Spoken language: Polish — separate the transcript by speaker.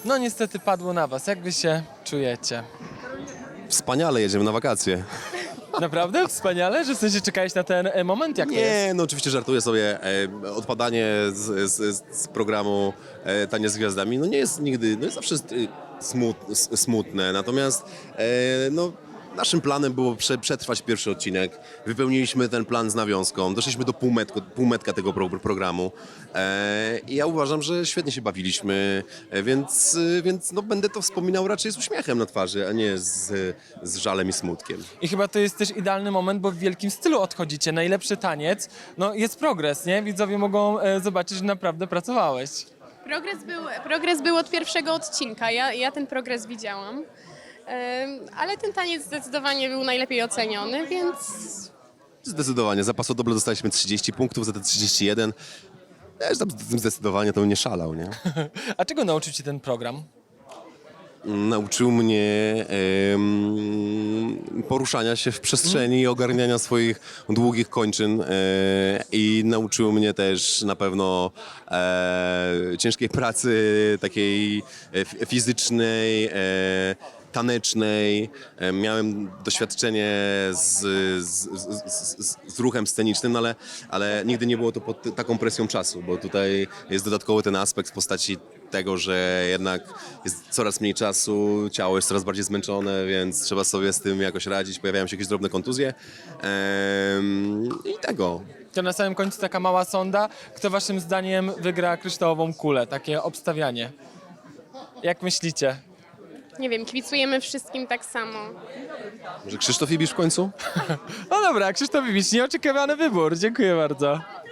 Speaker 1: No niestety padło na was. Jak wy się czujecie?
Speaker 2: Wspaniale, jedziemy na wakacje.
Speaker 1: Naprawdę? Wspaniale? Że w sensie czekałeś na ten moment? Jak to jest?
Speaker 2: Nie, no oczywiście żartuję sobie. Odpadanie z programu Tanie z Gwiazdami, no nie jest nigdy, no jest zawsze smutne. Natomiast no, naszym planem było przetrwać pierwszy odcinek. Wypełniliśmy ten plan z nawiązką. Doszliśmy do półmetka tego programu. I ja uważam, że świetnie się bawiliśmy, więc no, będę to wspominał raczej z uśmiechem na twarzy, a nie z żalem i smutkiem.
Speaker 1: I chyba to jest też idealny moment, bo w wielkim stylu odchodzicie. Najlepszy taniec. No jest progres, nie? Widzowie mogą zobaczyć, że naprawdę pracowałeś.
Speaker 3: Progres był od pierwszego odcinka, ja ten progres widziałam, ale ten taniec zdecydowanie był najlepiej oceniony, więc
Speaker 2: Zdecydowanie. Za pasodoble dostaliśmy 30 punktów, za te 31. Ja już tam z tym zdecydowanie to nie szalał, nie?
Speaker 1: A czego nauczył cię ten program?
Speaker 2: Nauczył mnie poruszania się w przestrzeni i ogarniania swoich długich kończyn i nauczył mnie też na pewno ciężkiej pracy takiej fizycznej, tanecznej. Miałem doświadczenie z ruchem scenicznym, no ale nigdy nie było to pod taką presją czasu, bo tutaj jest dodatkowy ten aspekt w postaci tego, że jednak jest coraz mniej czasu, ciało jest coraz bardziej zmęczone, więc trzeba sobie z tym jakoś radzić. Pojawiają się jakieś drobne kontuzje i tego.
Speaker 1: To na samym końcu taka mała sonda. Kto waszym zdaniem wygra kryształową kulę? Takie obstawianie. Jak myślicie?
Speaker 3: nie wiem, kibicujemy wszystkim tak samo.
Speaker 2: Może Krzysztof Ibisz w końcu?
Speaker 1: No dobra, Krzysztof Ibisz, nieoczekiwany wybór. Dziękuję bardzo.